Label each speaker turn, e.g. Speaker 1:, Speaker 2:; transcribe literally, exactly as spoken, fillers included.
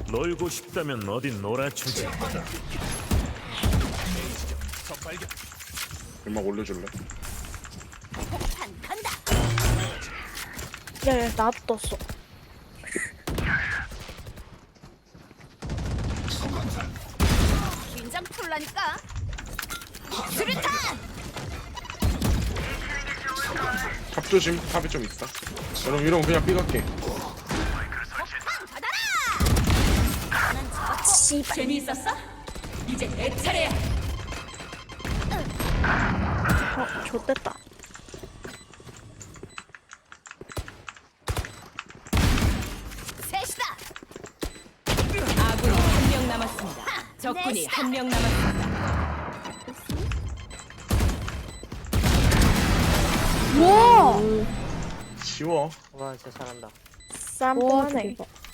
Speaker 1: 놀고 싶다면 어디 놀아주지.
Speaker 2: 음악 올려줄래?
Speaker 3: 폭탄 간다.
Speaker 4: 야야 나도 떴어.
Speaker 3: 긴장 풀라니까. 수류탄.
Speaker 2: 탑 조심. 탑이 좀 있다. 여러분 이러면 그냥 삐갈게.
Speaker 3: 폭탄 받아라. 난 잡았고.
Speaker 4: 씨발.
Speaker 3: 재미있었어? 이제 내 차례야.
Speaker 4: 어 좋댔다.
Speaker 3: 셋이다.
Speaker 5: 아군이 한 명 남았습니다. 적군이
Speaker 3: 넷이다.
Speaker 5: 한 명 남았습니다.
Speaker 4: 와.
Speaker 2: 쉬워.
Speaker 6: 와 진짜 잘한다.
Speaker 4: 쌈뻔하네.